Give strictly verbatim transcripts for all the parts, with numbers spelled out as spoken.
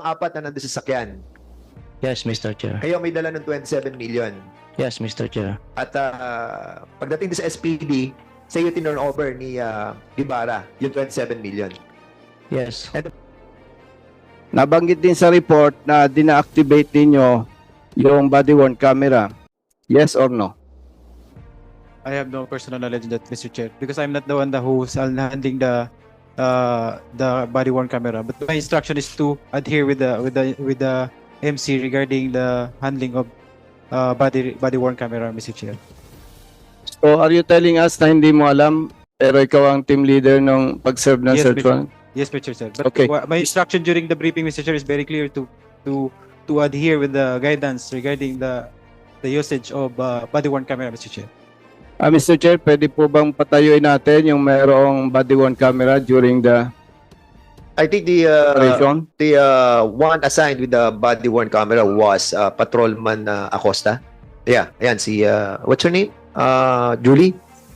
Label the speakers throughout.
Speaker 1: apat na nandun sa sakyan.
Speaker 2: Yes, Mister Chair.
Speaker 1: Kayo may dala ng twenty-seven million.
Speaker 2: Yes, Mister Chair.
Speaker 1: At uh, pagdating din sa S P D, sa iyo tinurn over ni uh, Guevara yung twenty-seven million.
Speaker 2: Yes.
Speaker 3: Nabanggit din sa report na dina-activate ninyo yung body-worn camera. Yes or no?
Speaker 4: I have no personal knowledge on that, Mister Chair, because I'm not the one that who's handling the uh, the body-worn camera. But my instruction is to adhere with the with the with the M C regarding the handling of uh, body body-worn camera, Mister Chair.
Speaker 3: So are you telling us na hindi mo alam pero ikaw ang team leader ng pag-serve ng
Speaker 4: Yes,
Speaker 3: search
Speaker 4: Mister
Speaker 3: warrant?
Speaker 4: Yes, Mister Chair. But
Speaker 3: Okay.
Speaker 4: wha- my instruction during the briefing, Mister Chair, is very clear to to to adhere with the guidance regarding the the usage of uh, body-worn camera, Mister Chair.
Speaker 3: Ah, Mister Chair, pwede po bang patayuin natin yung mayroong body-worn camera during the
Speaker 1: I think the uh,
Speaker 3: operation?
Speaker 1: the uh, one assigned with the body-worn camera was uh, Patrolman uh, Acosta. Yeah, ayan si uh, what's her name? Uh, Julie.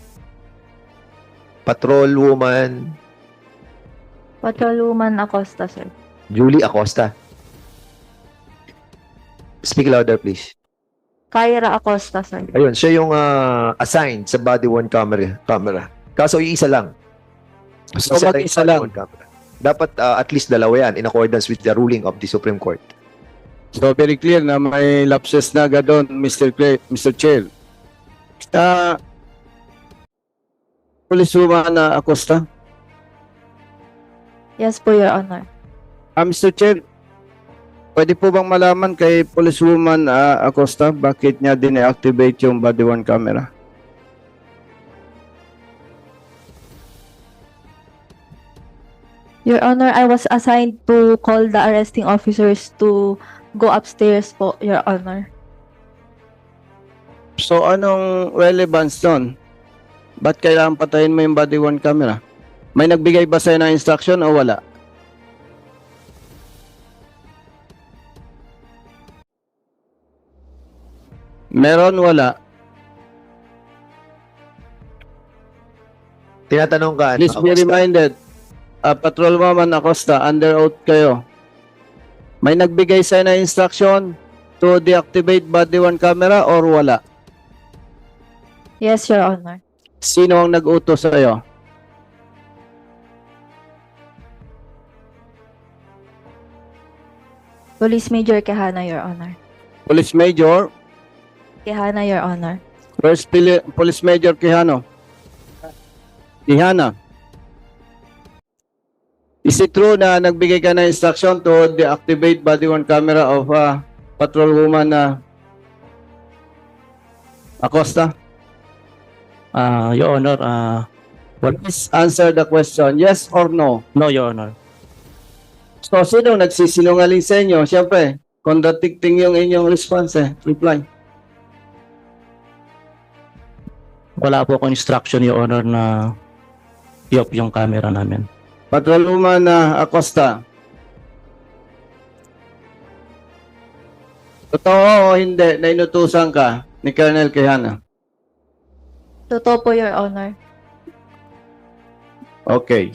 Speaker 1: Patrolwoman
Speaker 5: Patrolwoman Acosta, sir.
Speaker 1: Julie Acosta. Speak louder, please.
Speaker 5: Kyra Acosta, sir.
Speaker 1: Ayun, siya yung uh, assigned sa body-worn camera. camera. Kaso iisa lang.
Speaker 3: So,
Speaker 1: Isa
Speaker 3: mag-isa
Speaker 1: yung
Speaker 3: lang.
Speaker 1: body-worn camera. Dapat uh, at least dalawa yan in accordance with the ruling of the Supreme Court.
Speaker 3: So very clear na may lapses na agad doon, Mister Clay, Mister Chair. Sa Policewoman na Acosta,
Speaker 5: Yes po, Your Honor.
Speaker 3: ah, Mister Chair, pwede po bang malaman kay Policewoman ah, Acosta bakit niya din-activate yung body-worn camera?
Speaker 5: Your Honor, I was assigned to call the arresting officers to go upstairs po, Your Honor.
Speaker 3: So anong relevance doon? Ba't kailangan patayin mo yung body-worn camera? May nagbigay ba sa'yo ng instruction o wala? Meron, wala.
Speaker 1: Tinatanong ka, ano,
Speaker 3: Please be
Speaker 1: Acosta?
Speaker 3: reminded, uh, Patrolwoman Acosta, under oath kayo. May nagbigay sa'yo ng instruction to deactivate body-worn camera or wala?
Speaker 5: Yes, Your Honor.
Speaker 3: Sino ang nag-utos sa'yo?
Speaker 5: Police Major Quijana, Your Honor.
Speaker 3: Police Major,
Speaker 5: Quijana, Your Honor.
Speaker 3: First Pili- Police Major Quijano. Quijana. Is it true na nagbigay ka ng instruction to deactivate body-worn camera of uh, patrolwoman na Acosta?
Speaker 2: Uh, Your Honor, uh,
Speaker 3: Please answer the question, yes or no?
Speaker 2: no, Your Honor.
Speaker 3: So, sino nagsisinungaling sa inyo? Siyempre, contradicting yung inyong response eh, reply.
Speaker 2: Wala po akong instruction, Your Honor, na i-off yung camera namin.
Speaker 3: Patrolwoman na Acosta. Totoo o hindi na inutusan ka ni Colonel Quijana?
Speaker 5: Totoo po, Your Honor.
Speaker 3: Okay.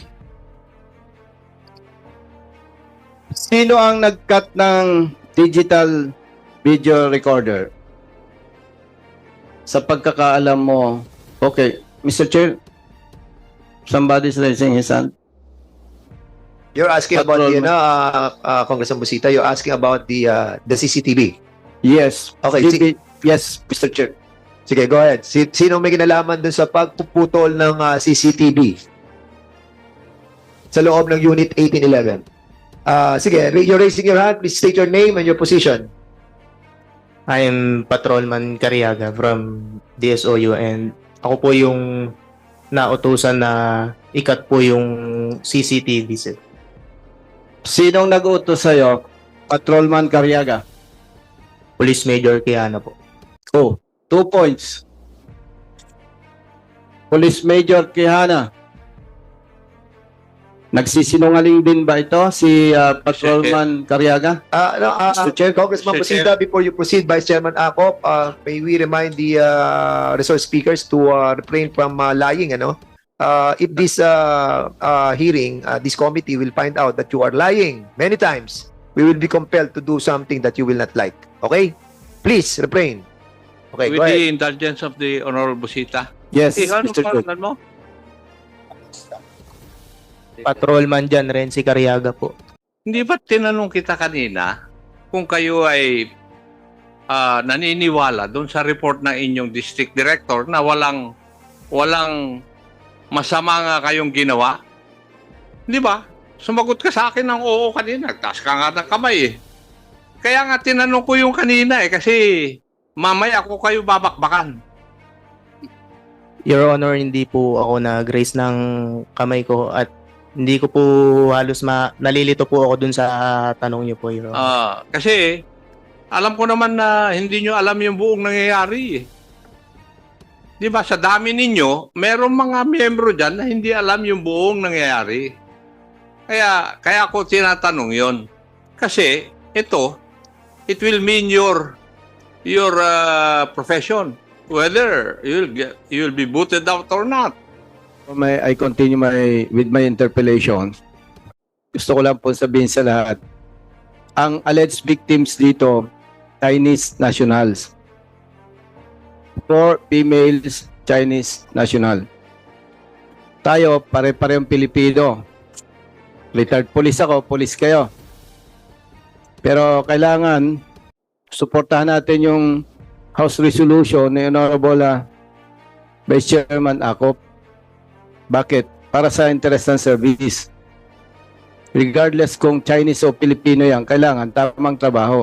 Speaker 3: Sino ang nag-cut ng digital video recorder? Sa pagkakaalam mo, okay, Mister Chair, somebody's raising his hand.
Speaker 1: You're asking about the,
Speaker 3: Patrolman.
Speaker 1: ano, uh, uh, Congressman Busita, you're asking about the uh, the C C T V.
Speaker 3: Yes.
Speaker 1: Okay,
Speaker 3: Did
Speaker 1: sige.
Speaker 3: it- yes, Mister Chair.
Speaker 1: Sige, go ahead. Si, sino may kinalaman dun sa pagpuputol ng uh, C C T V sa loob ng Unit eighteen eleven? Uh, sige, ra- you're raising your hand. Please state your name and your position.
Speaker 6: I'm Patrolman Cariaga from D S O U and ako po yung nautusan na ikat po yung C C T V set.
Speaker 3: Sinong nag-utos sa'yo? Patrolman Cariaga.
Speaker 6: Police Major Quijana po.
Speaker 3: Oh, two points. Police Major Quijana. Nagsisinungaling din ba ito si uh, Patrolman Cariaga?
Speaker 1: Uh, no, uh,
Speaker 3: Mister Chair.
Speaker 1: Congressman
Speaker 6: Mister
Speaker 1: Busita, before you proceed, Vice Chairman Acop, uh, may we remind the uh, resource speakers to uh, refrain from uh, lying, ano? Uh, if this uh, uh, hearing, uh, this committee will find out that you are lying many times, we will be compelled to do something that you will not like. Okay? Please, refrain. Okay,
Speaker 7: With
Speaker 1: go ahead.
Speaker 7: the indulgence of the Honorable Busita.
Speaker 3: Yes,
Speaker 7: Eh, ano
Speaker 3: Mister Good.
Speaker 7: pangalan mo?
Speaker 6: Patrolman dyan, Renzi Cariaga po.
Speaker 7: Hindi ba tinanong kita kanina kung kayo ay ah, naniniwala doon sa report ng inyong district director na walang walang masama nga kayong ginawa? Di ba? Sumagot ka sa akin ng oo kanina. Taas ka nga ng kamay eh. Kaya nga tinanong ko yung kanina eh kasi mamaya ako kayo babakbakan.
Speaker 6: Your Honor, hindi po ako nag-raise ng kamay ko at hindi ko po halos ma nalilito po ako dun sa tanong niyo po, Your Honor.
Speaker 7: Ah, kasi alam ko naman na hindi nyo alam yung buong nangyayari eh. Di ba, sa dami ninyo, merong mga miyembro dyan na hindi alam yung buong nangyayari. Kaya, kaya ako tinatanong yon. Kasi, ito, it will mean your, your uh, profession. Whether you'll, get, you'll be booted out or not.
Speaker 3: May, I continue my, with my interpellation. Gusto ko lang po sabihin sa lahat, ang alleged victims dito, Chinese nationals. Four females, Chinese national. Tayo, pare-parehong Pilipino. Retired police ako, police kayo. Pero kailangan, suportahan natin yung House Resolution ni Honorable uh, Vice Chairman Acop. Bakit? Para sa interest ng service. Regardless kung Chinese o Pilipino yan, kailangan tamang trabaho.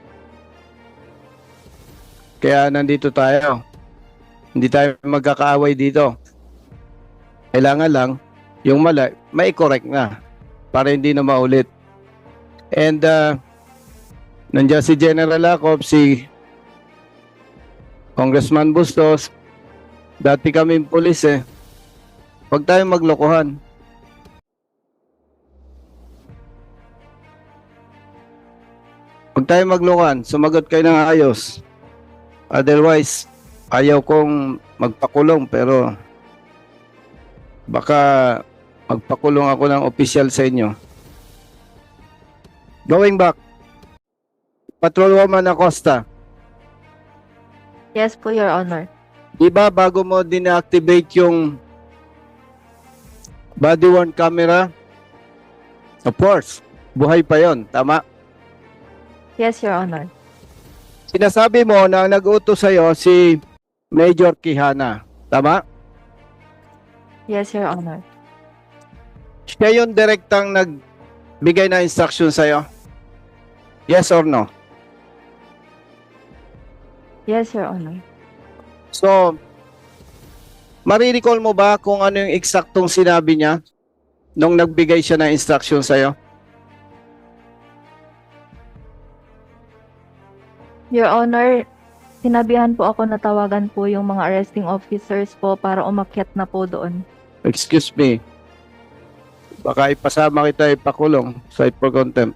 Speaker 3: Kaya nandito tayo. Hindi tayo magkakaaway dito. Kailangan lang, yung mali, may correct na. Para hindi na maulit. And, uh, nandiyan si General Acop, si Congressman Bustos, dati kaming pulis eh. Huwag tayong maglokohan. Huwag tayong maglokohan. Sumagot kayo ng ayos. Otherwise, ayaw kong magpakulong pero baka magpakulong ako ng opisyal sa inyo. Going back, Patrolwoman Acosta,
Speaker 5: Yes po, Your Honor.
Speaker 3: di ba bago mo din-activate yung body-worn camera? Of course, buhay pa yon, tama?
Speaker 5: Yes, Your Honor.
Speaker 3: Sinasabi mo na ang nag-utos sa'yo si Major Quijana, tama?
Speaker 5: Yes, Your Honor.
Speaker 3: Siya yung direktang nagbigay na instruction sa'yo? Yes or no?
Speaker 5: Yes, Your Honor.
Speaker 3: So, marirecall mo ba kung ano yung eksaktong sinabi niya nung nagbigay siya ng instruction sa'yo?
Speaker 5: Your Honor, sinabihan po ako na tawagan po yung mga arresting officers po para umakyat na po doon.
Speaker 3: Excuse me. Baka ipasama kita ipakulong sa for contempt.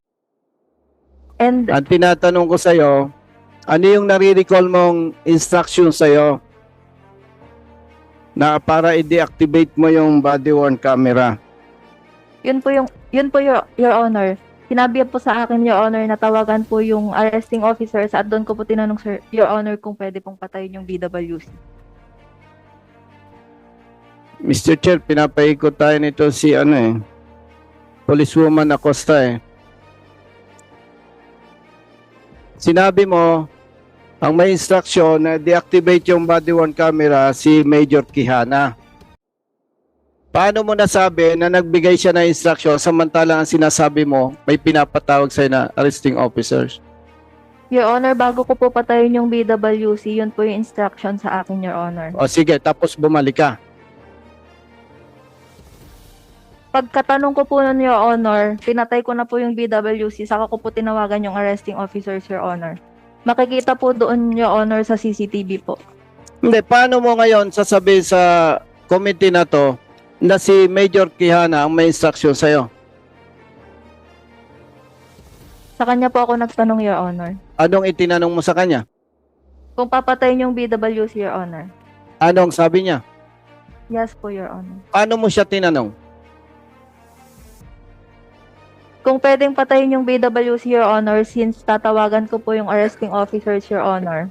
Speaker 5: And
Speaker 3: Ang tinatanong ko sa'yo, ano yung nare-recall mong instruction sa'yo na para i-deactivate mo yung body-worn camera?
Speaker 5: yun po yung yun po your, your Honor. Sinabi po sa akin, Your Honor, na tawagan po yung arresting officers at doon ko po tinanong, Sir, Your Honor, kung pwede pong patayin yung B W C.
Speaker 3: Mister Chair, pinapaikot tayo nito si ano eh, Policewoman Acosta eh. Sinabi mo, ang may instruction na deactivate yung body-worn camera si Major Quijana. Paano mo nasabi na nagbigay siya ng instruction samantalang ang sinasabi mo may pinapatawag sa'yo na arresting officers?
Speaker 5: Your Honor, bago ko po patayin yung B W C, yun po yung instruction sa akin, Your Honor.
Speaker 3: O sige, tapos bumalik ka.
Speaker 5: Pagkatanong ko po nun, Your Honor, pinatay ko na po yung B W C, saka ko po tinawagan yung arresting officers, Your Honor. Makikita po doon, Your Honor, sa C C T V po.
Speaker 3: Hindi, paano mo ngayon sasabihin sa committee na to na si Major Quijana ang may instruction sa'yo?
Speaker 5: Sa kanya po ako nagtanong, Your Honor.
Speaker 3: Anong itinanong mo sa kanya?
Speaker 5: Kung papatayin yung B W C, Your Honor.
Speaker 3: Anong sabi niya?
Speaker 5: Yes po, Your Honor.
Speaker 3: Paano mo siya tinanong?
Speaker 5: Kung pwedeng patayin yung B W C, Your Honor, since tatawagan ko po yung arresting officers, Your Honor.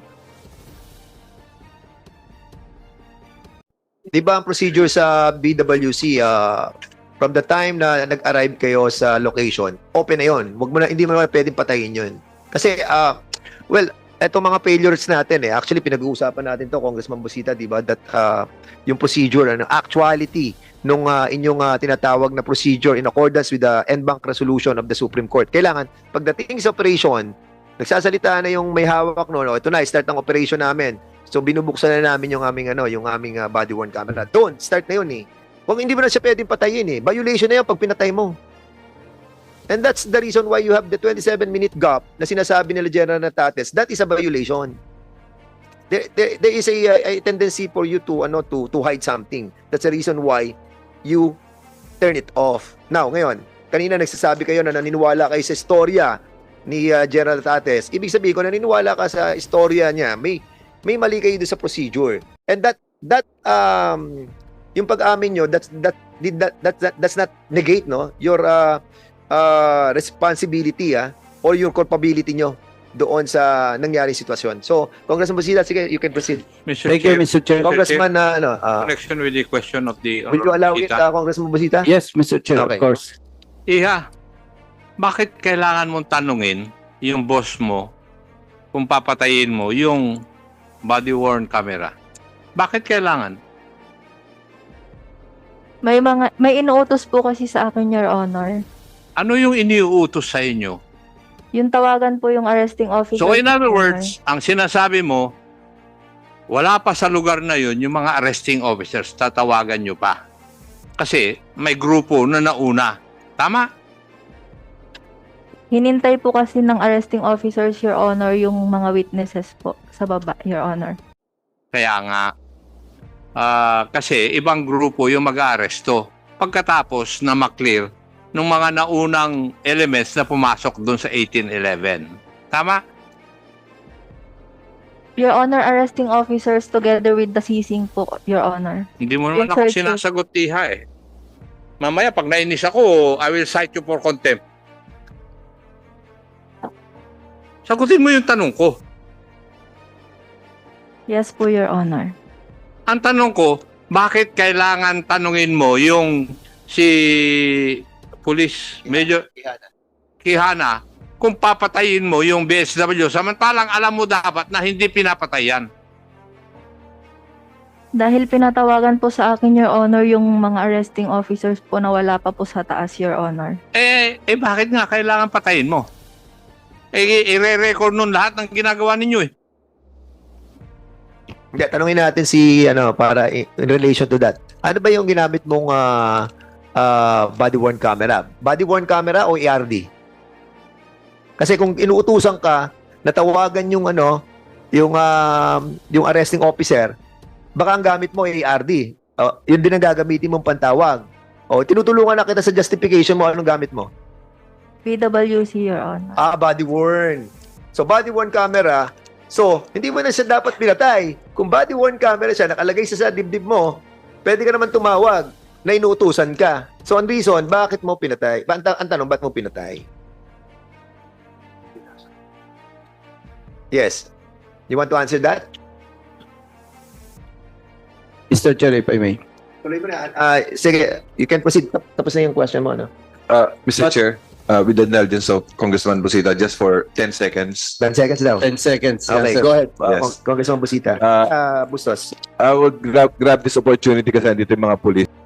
Speaker 1: Di ba ang procedure sa B W C, ah, from the time na nag-arrive kayo sa location, open na yun. Wag mo na, hindi mo na pwedeng patayin yun. Kasi, ah, well, eto mga failures natin eh. Actually, pinag-uusapan natin to, Congressman Busita, di ba? That ah, yung procedure, ano, actuality nung ah, inyong ah, tinatawag na procedure in accordance with the en banc resolution of the Supreme Court. Kailangan, pagdating sa operation, nagsasalita na yung may hawak no, no ito na, start ang operation namin. So binubuksan na namin yung aming ano, yung aming uh, body worn camera. Doon, start na yun eh. Kung hindi mo na siya pwedeng patayin eh. Violation na yan pag pinatay mo. And that's the reason why you have the twenty-seven minute gap na sinasabi nila General Natates. That is a violation. There, there, there is a, a tendency for you to ano to to hide something. That's the reason why you turn it off. Now, ngayon, kanina nagsasabi kayo na naniniwala kayo sa istorya ni uh, General Natates. Ibig sabihin ko naniniwala ka sa istorya niya. May may mali kayo doon sa procedure. And that that um yung pag-amin nyo, that's that did that, that, that that's not negate no your uh, uh responsibility ah or your culpability nyo doon sa nangyaring sitwasyon. So, Congressman Busita, sige, you can proceed.
Speaker 7: Mister
Speaker 3: Thank you,
Speaker 7: Chair,
Speaker 3: Mister Chair.
Speaker 1: Congressman na ano, uh,
Speaker 7: connection with the question of the
Speaker 1: will you allow it,
Speaker 7: Busita.
Speaker 1: uh, Congressman Busita?
Speaker 3: Yes, Mister Chair,
Speaker 1: Okay.
Speaker 3: of course.
Speaker 7: Iha, bakit kailangan mong tanungin yung boss mo kung papatayin mo yung body-worn camera? Bakit kailangan?
Speaker 5: May mga may inuutos po kasi sa akin, Your Honor.
Speaker 7: Ano yung iniuutos sa inyo?
Speaker 5: Yung tawagan po yung arresting officer.
Speaker 7: So in other
Speaker 5: Your Honor.
Speaker 7: words, ang sinasabi mo, wala pa sa lugar na yun yung mga arresting officers, tatawagan nyo pa. Kasi may grupo na nauna. Tama?
Speaker 5: Hinintay po kasi ng arresting officers, Your Honor, yung mga witnesses po sa baba, Your Honor.
Speaker 7: Kaya nga, ah, kasi ibang grupo yung mag-aaresto pagkatapos na maklear ng mga naunang elements na pumasok doon sa eighteen eleven. Tama?
Speaker 5: Your Honor, arresting officers together with the seizing po, Your Honor.
Speaker 7: Hindi mo naman
Speaker 5: Yes,
Speaker 7: ako
Speaker 5: sir, sir.
Speaker 7: sinasagot, Iha eh. Mamaya, pag nainis ako, I will cite you for contempt. Sagutin mo yung tanong ko.
Speaker 5: Yes po, Your Honor.
Speaker 7: Ang tanong ko, bakit kailangan tanungin mo yung si Police Major Quijana kung papatayin mo yung B S W samantalang alam mo dapat na hindi pinapatayan?
Speaker 5: Dahil pinatawagan po sa akin, Your Honor, yung mga arresting officers po na wala pa po sa taas, Your Honor.
Speaker 7: Eh, eh bakit nga kailangan patayin mo? Eh, i-re-record nun lahat ng ginagawa ninyo eh.
Speaker 1: Hindi, tanungin natin si, ano, para in in relation to that. Ano ba yung ginamit mong uh, uh, body-worn camera? Body-worn camera o E R D? Kasi kung inuutusan ka, natawagan yung, ano, yung, uh, yung arresting officer, baka ang gamit mo ay E R D. Uh, yun din ang gagamitin mong pantawag. O, tinutulungan na kita sa justification mo, anong gamit mo?
Speaker 5: B W C, Your Honor.
Speaker 1: Ah, body-worn. So, body-worn camera. So, hindi mo na siya dapat pinatay. Kung body-worn camera siya, nakalagay siya sa dibdib mo, pwede ka naman tumawag na inuutusan ka. So, ang reason, bakit mo pinatay? Ba, ang, ta- ang tanong, ba't mo pinatay? Yes. You want to answer that?
Speaker 3: Mister Chair, if I may.
Speaker 1: Tuloy mo na. Ah, sige, you can proceed. Tap- Tapos na yung question mo, no?
Speaker 8: Uh, Mister
Speaker 1: But-
Speaker 8: Chair, uh, with the indulgence of Congressman Busita, just for ten seconds,
Speaker 1: ten seconds daw.
Speaker 3: ten seconds.
Speaker 1: Okay,
Speaker 3: Yes, sir.
Speaker 1: go ahead. Uh,
Speaker 8: Yes.
Speaker 1: Cong- Congressman Busita.
Speaker 8: uh,
Speaker 1: Ah, Bustos.
Speaker 8: I would grab, grab this opportunity kasi andito yung mga police.